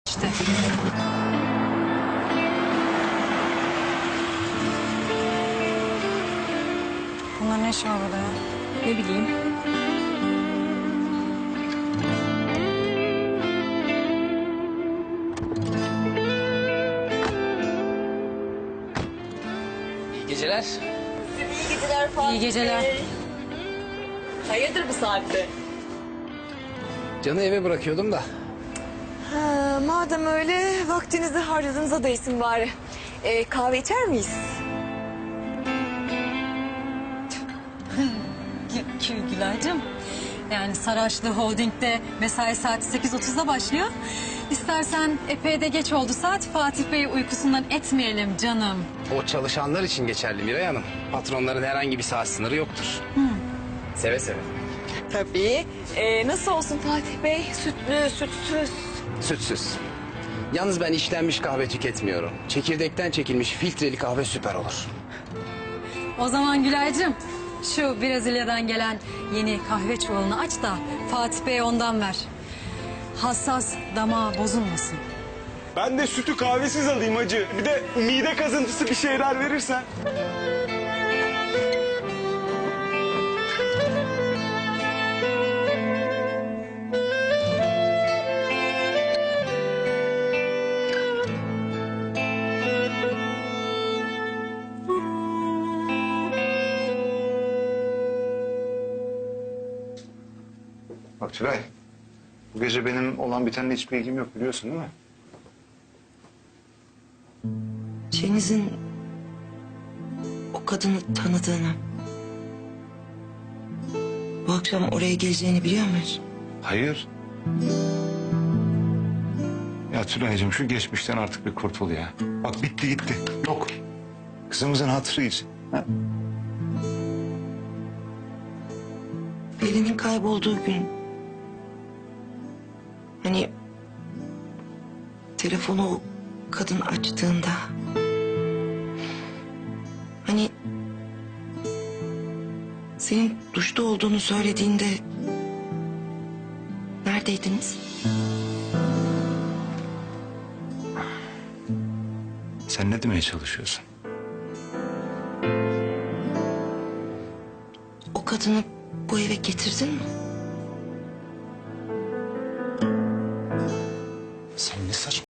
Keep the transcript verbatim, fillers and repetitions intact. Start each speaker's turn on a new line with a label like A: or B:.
A: işte. Bunlar ne şu havada ya?
B: Ne bileyim.
C: İyi geceler.
B: İyi geceler Fatih
A: İyi geceler.
B: Bey. Hayırdır bu saatte?
C: Can'ı eve bırakıyordum da.
B: Ha, madem öyle vaktinizi harcadığınıza değsin bari. Ee, kahve içer miyiz?
A: Gü- Gülaycığım. Yani Saraçlı Holding'de mesai saati sekiz otuzda başlıyor. İstersen epey de geç oldu saat. Fatih Bey'i uykusundan etmeyelim canım.
C: O çalışanlar için geçerli Miray Hanım. Patronların herhangi bir saat sınırı yoktur. Seve seve.
B: Tabii. Ee, nasıl olsun Fatih Bey? Sütlü, sütsüz.
C: Sütsüz. Yalnız ben işlenmiş kahve tüketmiyorum. Çekirdekten çekilmiş filtreli kahve süper olur.
A: O zaman Gülaycığım şu Brezilya'dan gelen yeni kahve çuvalını aç da Fatih Bey'e ondan ver. Hassas damağı bozulmasın.
D: Ben de sütü kahvesiz alayım hacı. Bir de mide kazıntısı bir şeyler verirsen.
E: Bak Tülay, bu gece benim olan bitenle hiçbir ilgim yok biliyorsun değil mi?
F: Cengiz'in o kadını tanıdığını, bu akşam oraya geleceğini biliyor musun?
E: Hayır. Ya Tülay'cığım şu geçmişten artık bir kurtul ya. Bak bitti gitti. Yok. Kızımızın hatırı için. Ha?
F: Pelin'in kaybolduğu gün... Hani... Telefonu o kadın açtığında... Hani... Senin duşta olduğunu söylediğinde... Neredeydiniz?
E: Sen ne demeye çalışıyorsun?
F: O kadını bu eve getirdin mi?
E: Sen ne saçma